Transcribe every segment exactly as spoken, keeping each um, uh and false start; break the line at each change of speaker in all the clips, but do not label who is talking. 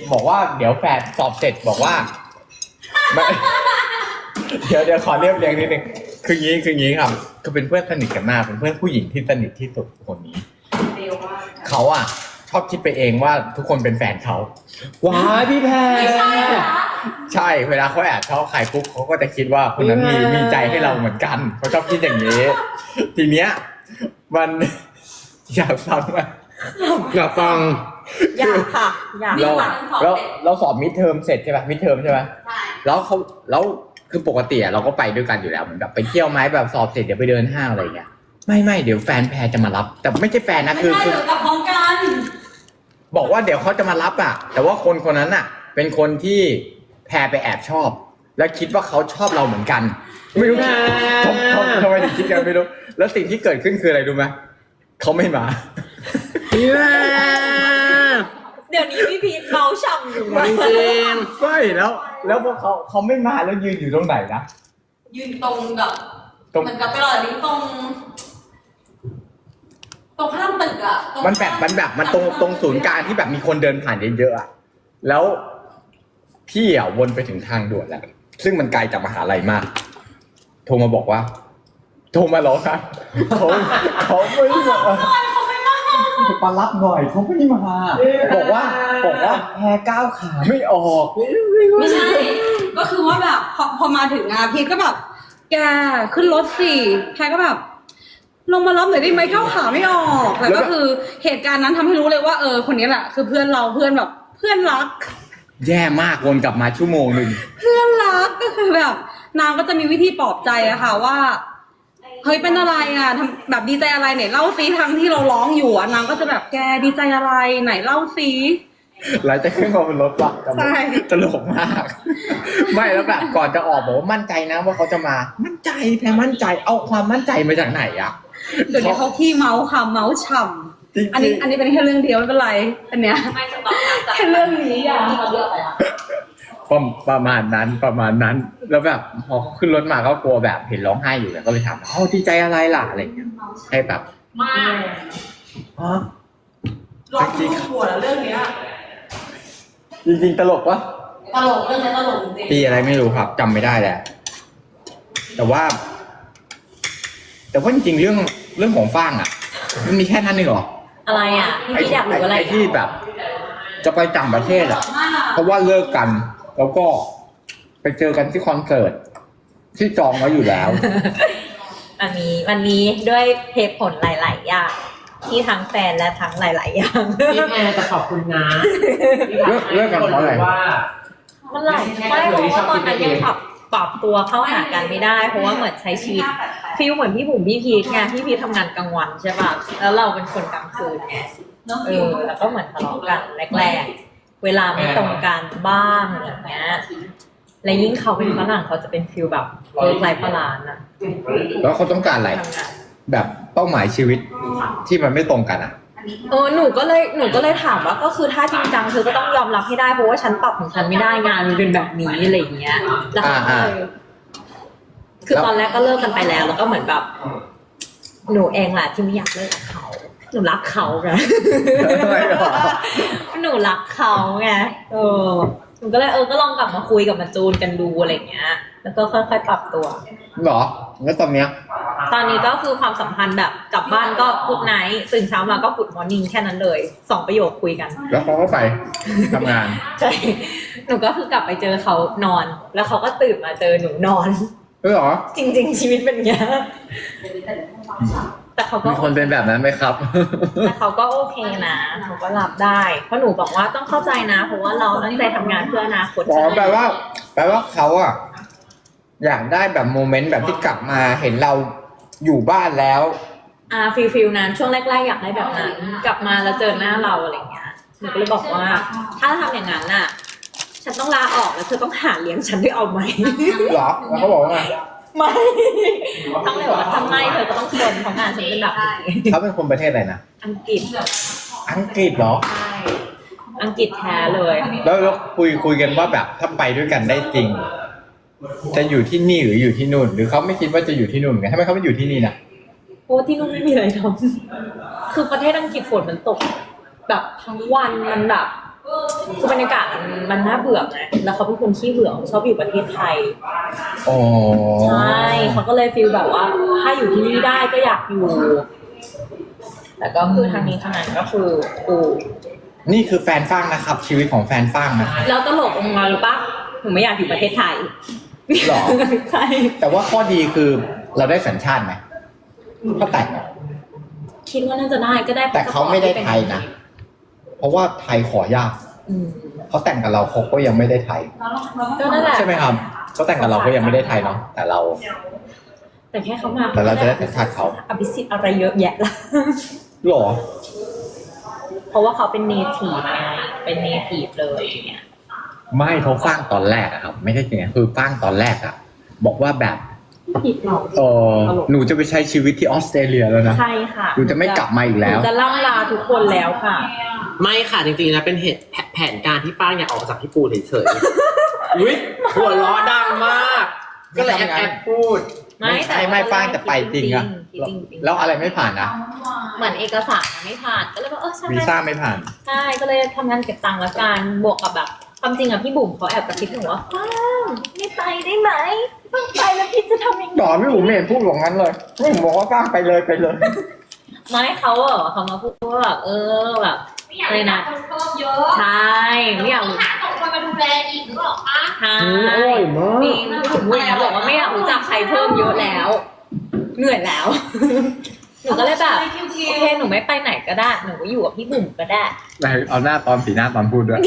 บอกว่าเดี๋ยวแฟนสอบเสร็จบอกว่าไม่เดี๋ยวเดี๋ยวขอเรียบเรียงนิดนึงคืองี้คืองี้ครับคือเป็นเพื่อนสนิทกันมากเป็นเพื่อนผู้หญิงที่สนิทที่สุดคนนี้เขาอ่ะชอบคิดไปเองว่าทุกคนเป็นแฟนเขา
ว้ายพี่แพร
ใช่เวลาเขาแอบชอบใครปุ๊บเขาก็จะคิดว่าคนนั้นมีมีใจให้เราเหมือนกันเขาชอบคิดอย่างนี้ ทีเนี้ยมัน อยากฟังไหม
อยากฟัง
อยากค่ะอยาก
เราเราเราสอบมิดเทอมเสร็จใช่ป่ะมิดเทอมใช่ป่ะใช่แล้วเขาแล้วคือปกติเราก็ไปด้วยกันอยู่แล้วเหมือนแบบไปเที่ยวไหมแบบสอบเสร็จเดี๋ยวไปเดินห้างอะไรอย่างเงี้ยไม่ไม่เดี๋ยวแฟนแพรจะมารับ แต่ไม่ใช่แฟนนะคือ
ไม่
คือ
ใช่เดี๋ยวกลับพร้อมกัน
บอกว่าเดี๋ยวเขาจะมารับอ่ะ แต่ว่าคนคนนั้นอ่ะ เป็นคนที่แพรไปแอบชอบ แล้วคิดว่าเขาชอบเราเหมือนกัน ไม่รู้ทำทำทำไมถึงคิดกันไม่รู้แล้วสิ่งที่เกิดขึ้นคืออะไรรู้ไหมเขาไม่มา
พี่แพร
เดี๋ยวนี้พี่พีทเมาช่ำอยู่
จริง
ไม่แล้ว แล้วพอเขาเขาไม่มาแล้วยืนอยู่ตรงไหนนะ
ยืนตรงกับ
ตรง
เหมือนกับไปรอนี้ตรง ตรงข้ามตึกอะตรง
มันแบบมันแบบมันตรงตรงศูนย์กลางที่แบบมีคนเดินผ่านเยอะๆอะแล้วพี่อ่ะวนไปถึงทางด่วนแล้วซึ่งมันไกลจากมหาลัยมาก โทรมาบอกว่า โทรมาหรอครับเขาเขาไม่มา
เขาไม่มา
มารับหน่อยเขาไม่มาบอกว่าบอกว่าแพรก้าวขาไม่ออก
ไม่ใช่ ก็คือว่าแบบพอพอมาถึงอะพีทก็แบบ แกขึ้นรถสิแพรก็แบบ ลงมารับหน่อยได้ไหมก้าวขาไม่ออกแล้วก็คือเหตุการณ์นั้นทำให้รู้เลยว่าเออคนนี้แหละคือเพื่อนเราเพื่อนแบบเพื่อนรัก
แย่มากวนกลับมาชั่วโมงหนึ่ง
เพื่อนรักก็คือแบบนางก็จะมีวิธีปลอบใจอะค่ะว่าเฮ้ยเป็นอะไรอะทำแบบดีใจอะไรไหนเล่าซิทั้งที่เราร้องอยู่อะนางก็จะแบบแกดีใจอะไรไหนเล่าซิ
หลังจากขึ้นมาบนรถว่ะ
ใช่
ตลกมาก ไม่แล้วแบบก่อนจะออกบอกว่ามั่นใจนะว่าเขาจะมา มั่นใจแพรมั่นใจเอาความมั่นใจมาจากไหนอะ
เดี๋ยวนี้เขาขี้เมาส์ค่ะเมาส์ฉ่
จริง
ำอันนี้อันนี้เป็นแค่เรื่องเดียวไม่เป็นไรอันเนี้ย
ไม่จะตอบคำจาก
แค่เรื่องนี้อะ
ประประมาณนั้นประมาณนั้น แล้วแบบพอขึ้นรถมาก็กลัวแบบเห็นร้องไห้อยู่แล้วก็เลยถามเขาดีใจอะไรล่ะอะไรอย่างเงี้ยให้แบบ
มาก
ฮะ
ร้องทุกหัวแล้วเรื่องเนี้ย
จริงๆตลกวะ
ตลกเรื่องนี้ตลกจริง
ปีอะไรไม่รู้ครับจำไม่ได้แหละแต่ว่า แต่ว่าจริงๆเรื่องเรื่องของฟางอ่ะ มันมีแค่นั้นเองเหรอ
อะไรอะพี่พี่อยากรู้อะไร
ไอ้ที่แบบ จะไปต่างประเทศอ่ะ เพราะว่าเลิกกัน แล้วก็ไปเจอกันที่คอนเสิร์ตที่จองไว้อยู่แล้ว
อันนี้วันนี้ด้วยเหตุผลหลาย ๆ อย่างที่ทั้งแฟนและทั้งหลาย ๆ อย่าง
พี่แพรจะขอบคุณนะ
เลิกเลิกกันเพราะอะไร
ว่า
มันหลายไม่เพราะว่าตอนนั้นยังปรับปรับตัวเข้าหากันไม่ได้ เพราะว่าเหมือนใช้ชีวิตฟีลเหมือนพี่บุ๋มพี่พีทไงพี่พีททำงานกลางวันใช่ป่ะแล้วเราเป็นคนกลางคืนไงเออแล้วก็เหมือนทะเลาะกันแรกๆเวลาไม่ตรงกันบ้างอย่างเงี้ยและยิ่งเขาเป็นฝรั่งเขาจะเป็นฟีลแบบเวิร์กไลฟ์บาลานซ์อะ
แล้วเขาต้องการอะไร
ทำงาน
แบบเป้าหมายชีวิตที่มันไม่ตรงกันอ่ะ
เออหนูก็เลยหนูก็เลยถามว่าก็คือถ้าจริงจังเธอก็ต้องยอมรับให้ได้เพราะว่าฉันปรับของฉันไม่ได้งานมันเป็นแบบนี้อะไรอย่างเงี้ยแล้วเขาก็เลยคือตอนแรกก็เลิกกันไปแล้ว แล้วก็เหมือนแบบหนูเองแหละที่ไม่อยากเลิกกับเขาหนูรักเขาไง
ทำไมหรอ
หนูรักเขาไงเออหนูก็เลยเออก็ลองกลับมาคุยกับมาจูนกันดูอะไรอย่างเงี้ย แล้วก็ค่อยๆปรับตัว
หรอแล้วตอนเนี้ย
ตอนนี้ก็คือความสัมพันธ์แบบกลับบ้านก็กุดไนท์ตื่นเช้ามาก็กุดมอร์นิ่งแค่นั้นเลยสองประโยคคุยกัน
แล้วเขาก็ไปทำงาน
ใช่ หนูก็คือกลับไปเจอเขานอน แล้วเขาก็ตื่นมาเจอหนูนอน
เออเหรอ
จริง ๆ ชีวิตเป็นอย่างเงี้ยแต่เขาก็
มีคนเป็นแบบนั้นไหมครับ
แต่เขาก็โอเคนะเขาก็รับได้ เพราะหนูบอกว่าต้องเข้าใจนะ เพราะว่าเราตั้งใจทำงานเพื่ออนาคต
อ๋อ
ใช่ไหม
แปลว่า แปลว่าเขาอะอยากได้แบบโมเมนต์แบบที่กลับมาเห็นเราอยู่บ้านแล้ว
อ่าฟิลฟิลนั้นช่วงแรก ๆ อยากได้แบบนั้น กลับมาแล้วเจอหน้าเราอะไรเงี้ยหนูก็เลยบอกว่า ถ้าทำอย่างนั้นน่ะ ฉันต้องลาออกแล้วเธอต้องหาเลี้ยงฉันด้วยเอาไหม
เหรอ แล้วเขาบอกว่าไง
ไม่ต้องเลยว่าทำไมเธอก็ต้องทนเพราะงานฉันเป็นแบบนี้
เขาเป็นคนประเทศอะไรนะ
อังกฤษ
อังกฤษเหรอ
ใช่ อังกฤษแท้เลย
แล้วแล้วคุยคุยกันว่าแบบถ้าไปด้วยกันได้จริง จะอยู่ที่นี่หรืออยู่ที่นู่น หรือเขาไม่คิดว่าจะอยู่ที่นู่นไงทำไมเขาไม่อยู่ที่นี่น่ะ
โอ้ที่นู่นไม่มีอะไรทำคือประเทศอังกฤษฝนมันตก แบบทั้งวันมันแบบคือบรรยากาศมันมันน่าเบื่อไงแล้วเขาเป็นคนขี้เบื่อชอบอยู่ประเทศไทย
อ๋อ
ใช่เขาก็เลยฟีลแบบว่า ถ้าอยู่ที่นี่ได้ก็อยากอยู่ แต่ก็คือทางนี้ทางนั้นก็คือกู
นี่คือแฟนฟังนะครับ ชีวิตของแฟนฟังนะครับ
แล้วตลกองมาหรือปะหนูไม่อยากอยู่ประเทศไทย
หรอ
ใช่
แต่ว่าข้อดีคือเราได้สัญชาติไหมถ้าแต่งอะ
คิดว่าน่าจะได้ก็ได้
แต่เขาไม่ได้ไทยนะ เพราะว่าไทยขอยาก
อืม
เขาแต่งกับเราเขาก็ยังไม่ได้ไทย
ก็นั่นแหละ
ใช่ไหมครับเขาแต่งกับเราก็ยังไม่ได้ไทยเนาะแต่เรา
แต่แค่เขามา
แต่เราจะได้สัญชาติเขา
อภิสิทธิ์อะไรเยอะแยะละ
หรอ
เพราะว่าเขาเป็นเนทีฟไงเป็นเนทีฟเลยอย่างเงี้ย
ไม่เขาฟังตอนแรกอะครับ ไม่ใช่อย่างนี้คือฟังตอนแรกอะบอกว่าแบบ
ผิดหรอก
เออหนูจะไปใช้ชีวิตที่ออสเตรเลียแล้วนะ
ใช่ค่ะ
หนูจะไม่กลับมาอีกแล้ว
หนูจะล่ำลาทุกคนแล้วค่ะ
ไม่ค่ะจริงๆนะเป็นเหตุแผแผนการที่ป้าอยากออกจากญี่ปุ่นเฉยๆอุ้ยหัวล้อดังมาก ก็เลยแอบแอบพูด
ไม่ใช่ไม่ฟังแต่ไปจริงอะ
จริงๆจริงๆ
แล้วอะไรไม่ผ่านนะ
เหมือนเอกสารอะไม่ผ่านก็เลยบอกเออใช่ไหม
วีซ่าไม่ผ่าน
ใช่ก็เลยทำงานเก็บตังค์ละกันบวกกับแบบความจริงอะพี่บุ๋มเขาแอบกระซิบหนูว่าฟ้างไม่ไปได้ไหมต้องไปแล้วพี่จะทำยังไง
ดอไม่ผมไม่เห็นพูดอย่างนั้นเลยไม่ผมบอกว่าฟังไปเลยไปเลย
ไม่เขาอะเขามาพูดว่าแบบเออแบบ
ไม่อยากให้คนเพิ่มเยอะ
ใช่ไม่อยากรู้
หาสองคนมาดูแลอีกหรือเปล่าคะ
ใช่
อืมอร่อยมาก
จริงพี่บุ๋มพูดอย่างนี้บอกว่าไม่อยากรู้จักใครเพิ่มเยอะแล้ว เหนื่อยแล้ว หนูก็เลยแบบโอเคหนูไม่ไปไหนก็ได้หนูก็อยู่กับพี่บุ๋มก็ได้
เอาหน้าตอนสีหน้าตอนพูดด้วย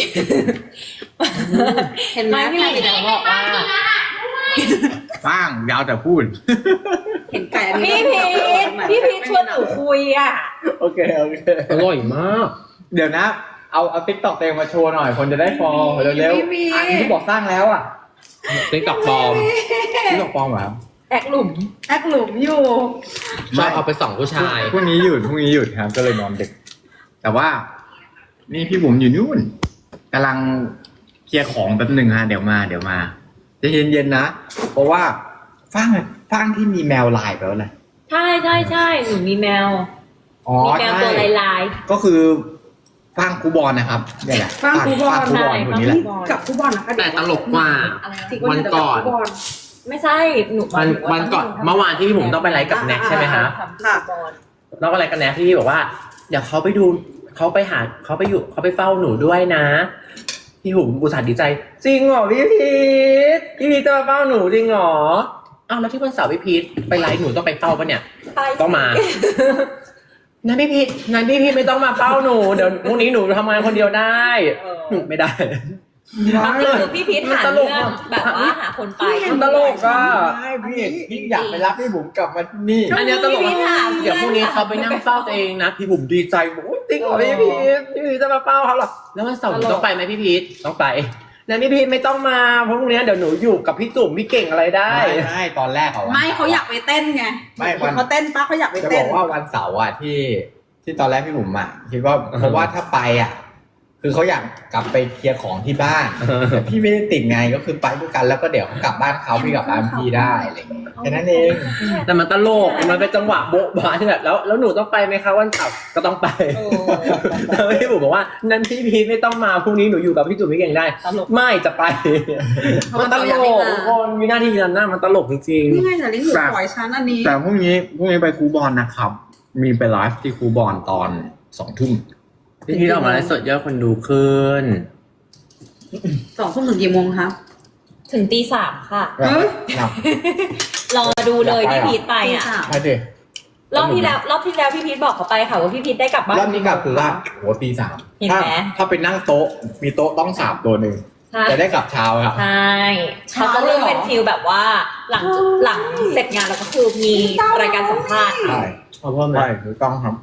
เห็นไหมพี่บุ๋มจะบอกว่า
ฟังยาวแต่พูด
เห็นไก่อันนี้
พี่พีทพี่พีทชวนหนูคุยอ่ะ
โอเคโอเค
อร่อยมาก
เดี๋ยวนะ เอาเอาติ๊กต็อกเต็มมาโชว์หน่อย คนจะได้ฟอลเร็วๆอันที่บอกสร้างแล้วอ่ะ
ติ๊กต็อกปลอม
ติ๊กต็อกฟอลเหรอครับ
แอกหลุม
แอคหลุมอยู่
ชอบเอาไปส่องผู้ชาย
พรุ่งนี้หยุดพรุ่งนี้หยุดครับ ก็เลยนอนดึก แต่ว่า นี่พี่บุ๋มอยู่นู่นกำลังเคลียร์ของแป๊บหนึ่งฮะเดี๋ยวมาเดี๋ยวมาจะเย็นๆนะ เพราะว่าฟังฟังที่มีแมวลายไปแล้วเลย
ใช่ใช่ใช่หนูมีแมว
อ๋อ
มีแมว
ใช่
ตัวลายลาย
ก็คือฟังคูบอลนะครับเนี่ยแหละ
ฟังคูบอล
ฟังคูบอลคนนี้แหละ
กับฟุตบอลนะคะ
แต่ตลกกว่า
จริง
วันก่อน
ฟุตบอล
ๆไม่ใช่หนู
วันวันก่อนเมื่อวานที่พี่ผมต้องไปไลฟ์กับแน็กใช่ไหมฮะ
ทำฟุตบอล
แล้วก็อะไรกันแน็กที่พี่บอกว่าเดี๋ยวเขาไปดูเขาไปหาเขาไปอยู่เขาไปเฝ้าหนูด้วยนะพี่หุมอุตส่าห์ดีใจจริงเหรอพี่พีทพี่พีทจะมาเฝ้าหนูจริงเหรออ้าวแล้วที่วันเสาร์พี่พีทไปไลฟ์หนูต้องไปเฝ้าปะเนี่ย
ไป
ต้องมางั้นพี่พีทงั้นพี่พีทไม่ต้องมาเฝ้าหนูเดี๋ยวพรุ่งนี้หนูทำงานคนเดียวได้หนูไม่ได้
ความจริงคือพี่พีทหาเรื่องแบบว่าหาคนไป
มันตลกอ่ะ
ใช่พี่พี่อยากไปรับพี่บุ๋มกลับมาที่นี่
อันเนี้ยตลก
พี่พีท
อะ
หา
เดี๋ยวพรุ่งนี้เขาไปนั่งเฝ้าตัวเองนะพี่บุ๋มดีใจบอกอุ๊ยจริงเหรอพี่พีทพี่พีทจะมาเฝ้าเขาเหรอแล้ววันเสาร์หนูต้องไปไหมพี่พีทต้องไปแล้วพี่พีทไม่ต้องมาเพราะพรุ่งนี้เดี๋ยวหนูอยู่กับพี่จุ๋มพี่เก่งอะไรได้
ไม่ไม่ตอนแรกอะวัน
ไม่เขาอยากไปเต้นไง
ไม่วัน
เขาเต้นป้าเขาอยากไป
จะบ
เต้
อน กว่าวันเสาร์อะที่ที่ตอนแรกพี่บุ๋มอะคิดว่าเพราะว่าถ้าไปอะคือเขาอยากกลับไปเคลียร์ของที่บ้านแต่พี่ไม่ได้ติดไงก็คือไปด้วยกันแล้วก็เดี๋ยวเขากลับบ้านเขาพี่กลับบ้านพี่ได้อะไรอย่างเงี้ยแค่นั้นเอง
แต่มันตลกมันเป็นจังหวะโบ๊ะบะที่แบบแล้วแล้วหนูต้องไปไหมคะวันเสาร์ก็ต้องไปแล้วพี่บุ๋มบอกว่านั่นพี่พีทไม่ต้องมาพรุ่งนี้หนูอยู่กับพี่จุ๋มพี่เก่งได้
ตลก
ไม่จะไปมันตลกทุกคนวินาทีนั้นน่ะมันตลกจริง
นี่ไงแต่ลิ้นหนูปล่อยชั้นอันนี้
แต่พรุ่งนี้พรุ่งนี้ไปครูบอลนะครับ มีไปไลฟ์ที่ครูบอลตอนสองทุ่ม
ๆพี่พีทออกมาไลฟ์สดยอดคนดูขึ้น
สองทุ่มถึงกี่โมงคะ
ถึงตีสามค่ะ
เอ้ย
นะ
รอดูเลยพี่พีทไปอ่ะ
ใช่ดิ
รอบที่แล้วรอบที่แล้วพี่พีทบอกเขาไปค่ะว่าพี่พีทได้กลับบ้าน
รอบนี้กลับคือว่าโหตีสาม
เห็น
ถ้า
ไหม
ถ้าไปนั่งโต๊ะ มีโต๊ะต้องสามตัวหนึ่ง
ใช่
จะได้กลับเช้าครับ
ใช่เขาจะเริ่มเป็นฟิลแบบว่าหลังหลังเสร็จงานแล้วก็คือมีรายการสัมภาษณ์
ใช่
ขอบคุณ
ใช่ถูกต้องครับ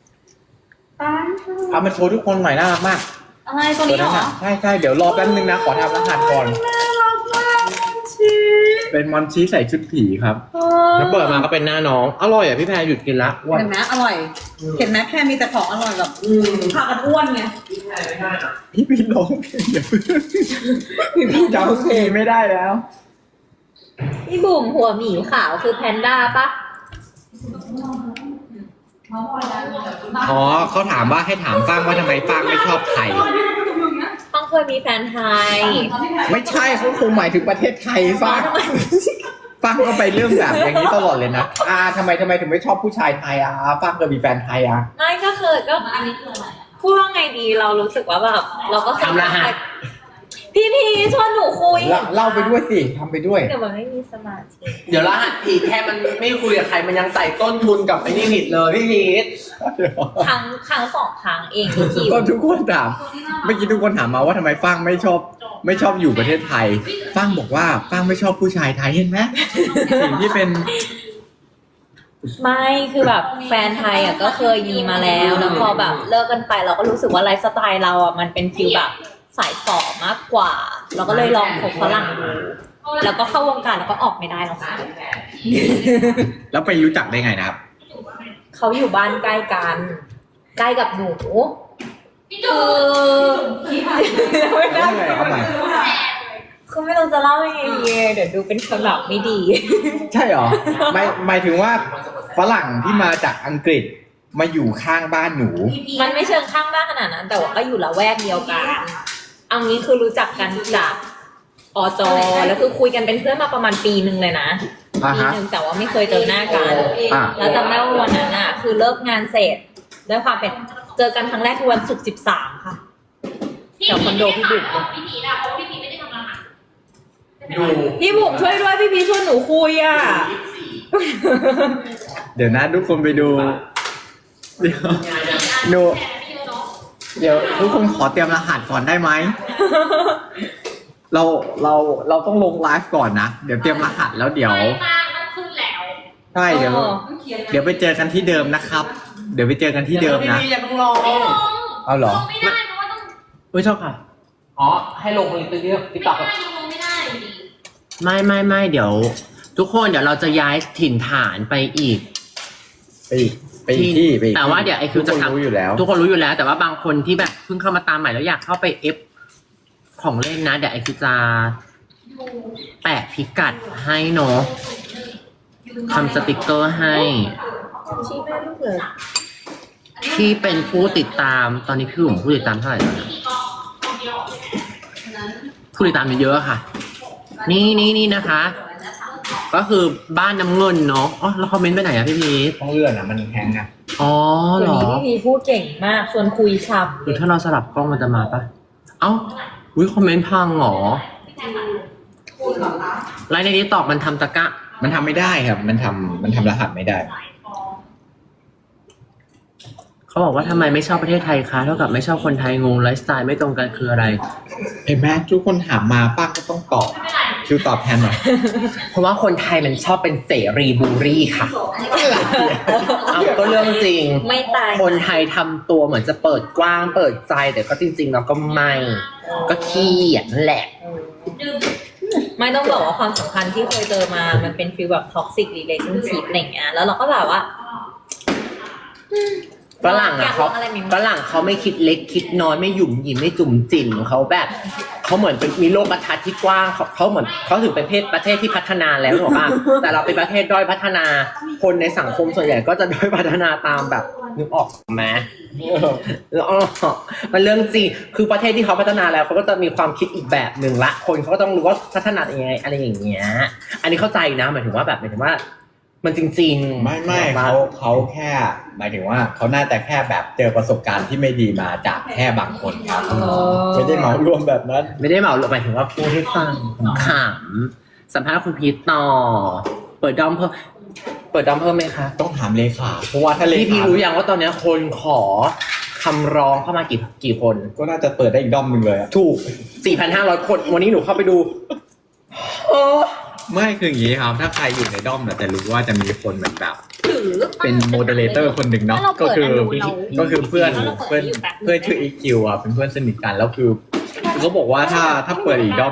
เอามาโชว์ทุกคนหน่อยน่ารักมาก
อะไรตัวนี้เหรอ
ใช่ใช่เดี๋ยวรอแป๊บนึงนะ ขอทำรหัสก่อน เป็นมอนชีใส่ชุดผีครับ
แล้วเปิดมาก็เป็นหน้าน้องอร่อยอ่ะพี่แพรหยุดกินละอ้วน
เห็นไหมอร่อย เห็นไหมแค่มีแต่ของอร่อยแบบพากันอ้วนไง
พี่พี่ร้องเพลงอย่าเพิ่งพี่พี่จำเพลงไม่ได้แล้ว
พี่บุ๋มหัวหมีขาวคือแพนด้าปะ
อ๋อเขาถามว่าให้ถามฟางว่าทำไมฟางไม่ชอบไทย
เคยมีแฟนไทย
ไม่ใช่เขาคงหมายถึงประเทศไทยฟังฟังก็ไปเรื่องแบบอย่างนี้ตลอดเลยนะอ่าทำไมทำไมถึงไม่ชอบผู้ชายไทยอ่ะฟังก็มีแฟนไทยอ่ะ
ไม่ก็เคยก็อันนี้คืออะไรพูดว่าไงดีเรารู้สึกว่าแบบเราก็เคย
ทำรหัส
พี่พีชวนหนูคุย
เล่าเล่าไปด้วยสิทำไปด้วย
เดี๋ยวมันไม่มีสมาธิ
เดี๋ยวรหัสผิดแค่มันไม่คุยกับใครมันยังใส่ต้นทุนกับไอ้นี่ผิดเลยพี่พีท
ครั้งครั้งสองครั้งเองพี่คิว
ก็ทุกคนถามเมื่อกี้ทุกคนถามมาว่าทำไมฟังไม่ชอบ ไม่ชอบอยู่ประเทศไทยฟังบอกว่าฟังไม่ชอบผู้ชายไทยเห็นไหมสิ่งที่เป็น
ไม่คือแบบแฟนไทยอ่ะก็เคยมีมาแล้วแล้วพอแบบเลิกกันไปเราก็รู้สึกว่าไลฟ์สไตล์เราอ่ะมันเป็นฟิลแบบสายฝ่อมากกว่า เราก็เลยลองคบฝรั่งดูแล้วก็เข้าวงการแล้วก็ออกไม่ได้หรอกค่ะ
แล้วไปรู้จักได้ไงนะครับ
เขาอยู่บ้านใกล้กัน ใกล้กับหนู
พี่
คื
จู
อไม่ได้
เอาใหม่
คือไม่รู้จะเล่ายังไงดีเดี๋ยวดูเป็นคนแบบไม่ดี
ใช่เหรอหมายหมายถึงว่าฝรั่งที่มาจากอังกฤษมาอยู่ข้างบ้านหนู
มันไม่เชิงข้างบ้านขนาดนั้น แต่ว่าก็อยู่ละแวกเดียวกันเอางี้คือรู้จักกันจากอจแล้วคือคุยกันเป็นเพื่อนมาประมาณปีหนึ่งเลยนะ
อ่า
ปี
ฮะ
หนึ่งแต่ว่าไม่เคยเจอหน้ากัน
อ่า
แล้วจำได้ว่าวันนั้นอ่ะ คือเลิกงานเสร็จด้วยความเป็นเจอกันครั้งแรกคือวันศุกร์สิบสามค่ะ
พี่พีไม่ได้ถามว่าพี่พีนะเพราะว่าพี่พีไม่ได้ทำรหัส
ดู
พี่บุ๋มช่วยด้วยพี่พีชวนหนูคุยอ่ะ
เดี๋ยวนะทุกคนไปดู เดี๋ยวหนู
แต่ไม่เยอะเนาะ
เดี๋ยวทุกคนขอเตรียมรหัสก่อนได้ไหม เราเราเราต้องลงไลฟ์ก่อนนะ เดี๋ยวเตรียมรหัสแล้วเดี๋ยว
ไม่มากมันขึ้นแล้ว
ใช่เดี๋ยว
เออ
เดี๋ยวไปเจอกันที่เดิมนะครับ เดี๋ยวไปเจอกันที่เดิมนะ
พี่พีทอย่าเพิ่งลง
ไม่ลง
เอาเหรอ
ลงไม่ได้เพราะว่าต้อง
อุ้ยชอบค่ะ อ๋อ ให้ลงในติ๊กติ๊กต็อก
ไม่ได้ยังลงไม่ได้อยู่ดี
ไม่ไม่ไม่เดี๋ยว ทุกคนเดี๋ยวเราจะย้ายถิ่นฐานไปอีก
ไปอีกไปอีกที่ไปอีก
แต่ว่าเดี๋ยวไอคิวจะ
ทุกคนรู้อยู่แล้ว
ทุกคนรู้อยู่แล้ว แต่ว่าบางคนที่แบบเพิ่งเข้ามาตามใหม่แล้วอยากเข้าไปเอฟของเล่นนะ เดี๋ยวไอคิวจะแปะพิกัดให้เนาะทำสติกเกอร์ให้
ชี้แม่ลูกเลย
ที่เป็นผู้ติดตามตอนนี้พี่บุ๋มผู้ติดตามเท่าไหร่แล้วนะผู้ติดตามเยอะๆค่ะ นี่นี่นี่นะคะ ก็คือบ้านน้ำเงินเนาะอ๋อแล้วคอมเมนต์ไปไหนอะพี่พีท
ต้องเลื่อนอ่ะมันแฮงอ่ะ
อ๋อ
เดี๋
เห
ย
ร
ว
อ
นี้พี่พีพูดเก่งมากชวนคุยชับ
หรือถ้าเราสลับกล้องมันจะมาปะเอ้าอุ้ยคอมเมนต์พังเหรอไลน์ในนี้ตอบมันทำตะกะ
มันทำไม่ได้ครับ มันทำมันทำรหัสไม่ได้
เขาบอกว่าทำไมไม่ชอบประเทศไทยคะเท่ากับไม่ชอบคนไทยงงไลฟ์สไตล์ไม่ตรงกันคืออะไร
เห็นไหมทุกคนถามมาป้าก็ต้องตอบคิวตอบแทนหน่อย
เพราะว่าคนไทยมันชอบเป็นเสรีบูรี่ค่ะเอาก็เรื่องจริง
ไม่ตาย
คนไทยทำตัวเหมือนจะเปิดกว้างเปิดใจแต่ก็จริงๆแล้วก็ไม่ก็ขี้เกียจนั่นแหละ
ไม่ต้องบอกว่าความสัมพันธ์ที่เคยเจอมา มันเป็นฟีลแบบท็อกซิกรีเลชั่นชิพอะไรอย่างเงี้ย แล้วเราก็แบบว่า
ฝรั่งอ่ะเขา
ยกลอะไรใหม่ๆ
ฝรั่งเขาไม่คิดเล็กคิดน้อยไม่หยุ่มหยิมไม่จุ่มจิ่มเขาแบบเขาเหมือนเป็นมีโลกทัศน์ที่กว้างเขาเขาเหมือนเขาถึงเป็นประเทศประเทศที่พัฒนาแล้วหรอกป่ะ แต่เราเป็นประเทศด้อยพัฒนาคนในสังคมส่วนใหญ่ก็จะด้อยพัฒนาตามแบบนึกออกไหม แล้วอ๋อมันเรื่องจริงคือประเทศที่เขาพัฒนาแล้วเขาก็จะมีความคิดอีกแบบหนึ่งละคนเขาก็ต้องรู้ว่าพัฒนายังไงอะไรอย่างเงี้ยอันนี้เข้าใจนะหมายถึงว่าแบบหมายถึงว่า มันจริงๆ
ไม่ไม่เขาเขาแค่ หมายถึงว่าเขาน่าจะแค่แบบเจอประสบการณ์ที่ไม่ดีมาจากแค่บางคนครับไม่ได้เหมารวมแบบนั้น
ไม่ได้เหมาหมายถึงว่าพูดให้ฟังขำๆสัมภาษณ์คุณพีทต่อเปิดดอมเพิ่มเปิดดอมเพิ่มไหมคะ
ต้องถามเลขาเพราะว่าถ้าเล
พี่พี
ขา
รู้ยังว่าตอนนี้คนขอคำร้องเข้ามากี่กี่คน
ก็น่าจะเปิดได้อีกด้อมหนึ่งเลยอะ
ถูก สี่พันห้าร้อย คน วันนี้หนูเข้าไปดูโอ้
ไม่คืออย่างนี้ครับ ถ้าใครอยู่ในด้อมเนี่ยจะรู้ว่าจะมีคนเหมือนแบบ
ถือ
เป็นโมเดเลเตอร์คนหนึ่งเนาะ
ถ้าเรา
ก็
เปิด
คือ
อันนู้นเรา
ก็คือเพื่อน
ถ้าเราเปิด
เพื่อน
อยู่แบบ
เพื่อนชื่ออีคิวอ่ะเป็นเพื่อนสนิทกันแล้วคือคือเขาบอกว่าถ้าถ้าเปิดอีกด้อม